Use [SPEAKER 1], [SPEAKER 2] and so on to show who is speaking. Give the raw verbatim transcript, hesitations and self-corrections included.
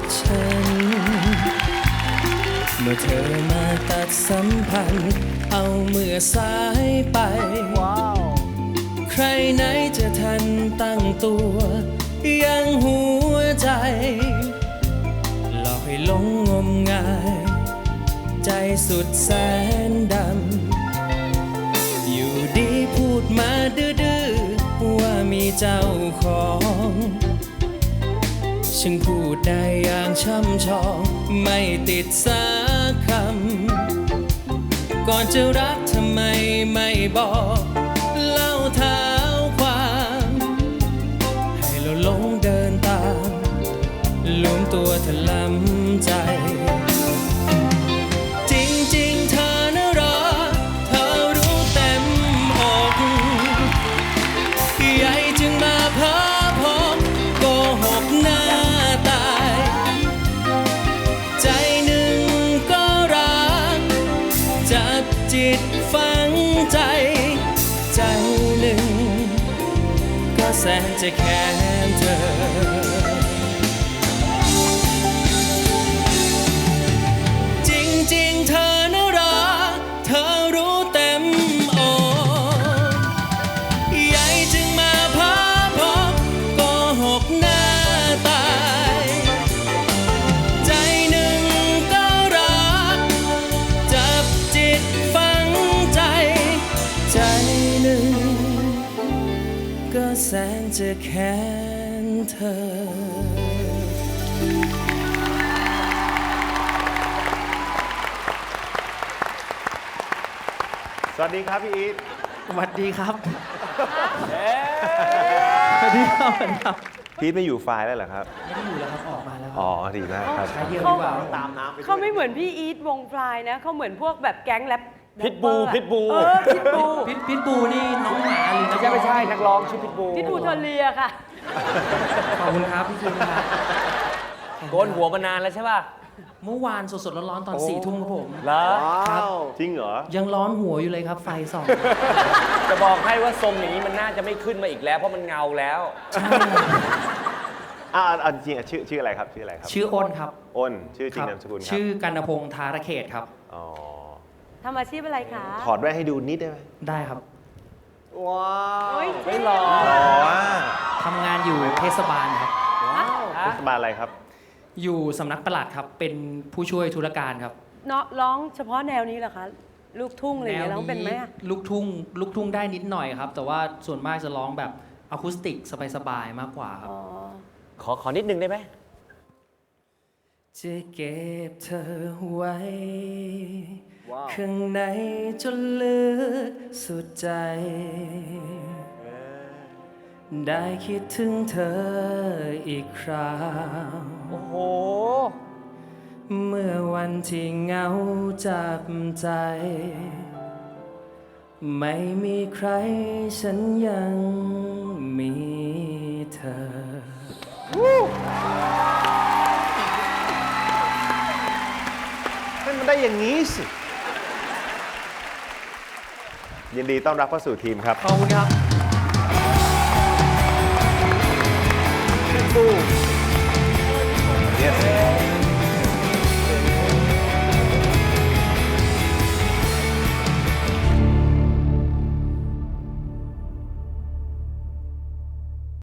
[SPEAKER 1] ฉันเมื่อเธอมาตัดสัมพันธ์เอาเมื่อสายไปใครไหนจะทันตั้งตัวยังหัวใจหลอกให้หลงงมงายใจสุดแสนดำอยู่ดีพูดมาดื้อๆว่ามีเจ้าของฉันพูดได้อย่างช่ำชองไม่ติดสักคำก่อนจะรักทำไมไม่บอกเล่าเท้าความให้เราหลงเดินตามลวมตัวถลำใจจริงๆเธอน่ะรอเธอรู้เต็มอกใหญ่จึงมาเพ้อพบโกหกหน้าตายใจหนึ่งก็รักจับจิตฝังใจใจหนึ่งก็แสนจะแค้นเธอจริงๆเธอน่ะรักเธอรู้เต็มอกใหญ่จึงมาพาพบโกหกหน้าตายใจหนึ่งก็รักจับจิตฝังใจใจหนึ่งก็แสนจะแค้นเธอ
[SPEAKER 2] สวัสดีครับพี่อีท
[SPEAKER 1] สวัสดีครับ
[SPEAKER 3] สวัสดีครับสวัสดีครับ
[SPEAKER 2] พีทไม่อยู่ไฟล์แล้วเหรอครับ
[SPEAKER 1] ไม่ได้อยู่แล้วครับออกมาแล้ว
[SPEAKER 2] อ๋อดีมากครับ
[SPEAKER 1] ใช้เดียวดีกว่า
[SPEAKER 2] ตามน้ำไป
[SPEAKER 4] เขาไม่เหมือนพี่อีทวงฟลายนะเขาเหมือนพวกแบบแก๊งแรป
[SPEAKER 3] พิทบู
[SPEAKER 4] แรปเปอร์อะ
[SPEAKER 3] พิทบู
[SPEAKER 4] เออพิทบู
[SPEAKER 1] พิทพิทบูนี่น้องหมาหรือ
[SPEAKER 3] ไม่ใช่ไม่ใช่นักร้องชื่อพิทบู
[SPEAKER 4] พิทบูเทอเรียค่ะ
[SPEAKER 1] ขอบคุณครับพี่คิมครับ
[SPEAKER 3] โกนหัวมานานแล้วใช่ป่ะ
[SPEAKER 1] เมื่อวานสดๆร้อนๆตอนสี่ทุ่มครับผม
[SPEAKER 3] เหรอ
[SPEAKER 1] ครับ
[SPEAKER 2] จริงเหรอ
[SPEAKER 1] ยังร้อนหัวอยู่เลยครับไฟส่อง
[SPEAKER 3] จะบอกให้ว่าทรงอย่างนี้มันน่าจะไม่ขึ้นมาอีกแล้วเพราะมันเงาแล้ว
[SPEAKER 1] ใช่
[SPEAKER 2] อ่าเอาจริงๆชื่อชื่ออะไรครับชื่ออะไรครับ
[SPEAKER 1] ชื่ออ้นครับ
[SPEAKER 2] อ้นชื่อจริง
[SPEAKER 1] ค
[SPEAKER 2] นามสกุลครับ
[SPEAKER 1] ชื่อกันพงษ์ธารเขตครับ
[SPEAKER 2] อ๋อ
[SPEAKER 4] ทำอาชีพอะไรคะ
[SPEAKER 2] ถอดแว่นให้ดูนิดได้ไหม
[SPEAKER 1] ได้ครับ
[SPEAKER 2] ว้า
[SPEAKER 4] โอ้ย
[SPEAKER 3] ไม่หรอ
[SPEAKER 2] หล่ออ่ะ
[SPEAKER 1] ทำงานอยู่เทศบาลครับ
[SPEAKER 2] เทศบาลอะไรครับ
[SPEAKER 1] อยู่สำนักปลัดครับ เป็นผู้ช่วยธุรการครับ
[SPEAKER 4] เนาะร้องเฉพาะแนวนี้เหรอคะ ลูกทุ่งอะไรอย่างเงี้ยร้องเป็นไหมอะ
[SPEAKER 1] ลูกทุ่งลูกทุ่งได้นิดหน่อยครับ แต่ว่าส่วนมากจะร้องแบบอะคูสติกสบายๆมากกว่าครับ
[SPEAKER 4] อ๋อ
[SPEAKER 3] ขอขอนิดนึงได้ไหม
[SPEAKER 1] จะเก็บเธอไว้ข้างในจนลึกสุดใจ ได้คิดถึงเธออีกคราว
[SPEAKER 3] โอ้โห
[SPEAKER 1] เมื่อวันที่เหงาจับใจ ไม่มีใครฉันยังมีเธอ
[SPEAKER 2] ให้มันได้อย่างนี้สิ ยินดีต้อนรับเข้าสู่ทีมครับ
[SPEAKER 1] ขอบคุณครับ
[SPEAKER 2] พิทบู